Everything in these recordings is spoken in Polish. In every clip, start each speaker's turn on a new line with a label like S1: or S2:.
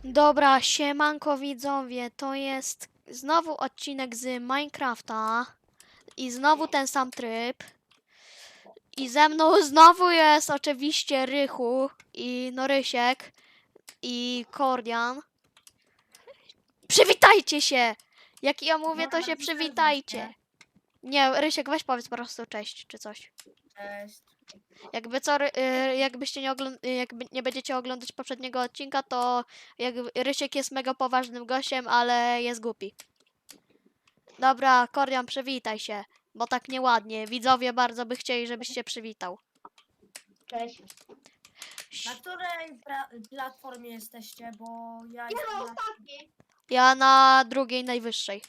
S1: Dobra, siemanko widzowie, to jest znowu odcinek z Minecrafta i znowu ten sam tryb i ze mną znowu jest oczywiście Rychu i Norysiek i Kordian. Przywitajcie się! Jak ja mówię, to się przywitajcie. Nie, Rysiek, weź powiedz po prostu cześć czy coś.
S2: Cześć.
S1: Jakby co, jakbyście jakby nie będziecie oglądać poprzedniego odcinka, to Rysiek jest mega poważnym gościem, ale jest głupi. Dobra, Kordian, przywitaj się, bo tak nieładnie. Widzowie bardzo by chcieli, żebyś się przywitał.
S3: Cześć.
S2: Na której platformie jesteście? Bo ja
S3: Ja
S2: jestem
S3: na
S2: na,
S3: ostatniej.
S1: Ja na drugiej najwyższej.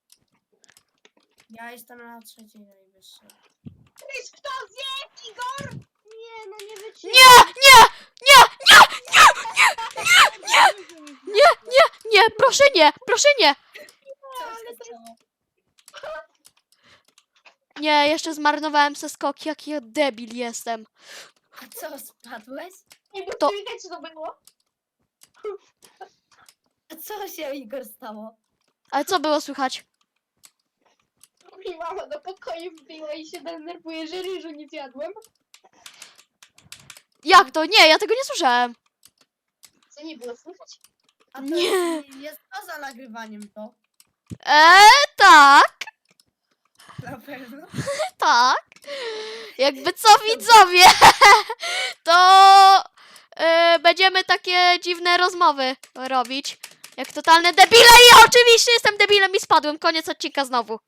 S2: ja jestem na trzeciej najwyższej.
S3: Chris, kto zje? Igor? Nie, no nie wytrzymam.
S1: Nie, proszę nie, proszę nie!
S2: Co się stało?
S1: Nie, jeszcze zmarnowałem se skok, jaki ja debil jestem.
S2: A co, spadłeś?
S3: Nie wiem,
S1: To-
S3: czy widać, co to było.
S2: A co się, Igor, stało?
S1: Ale co było słychać?
S3: Mi mama do pokoju wbiła i się denerwuje, że ryżu nie zjadłem.
S1: Jak to? Nie, ja tego nie słyszałem.
S3: Co nie było słychać?
S2: A to
S1: Nie.
S2: jest poza nagrywaniem to.
S1: Tak,
S2: Na pewno.
S1: tak. Jakby co widzowie, to będziemy takie dziwne rozmowy robić. Jak totalne debile i ja oczywiście jestem debilem i spadłem. Koniec odcinka znowu.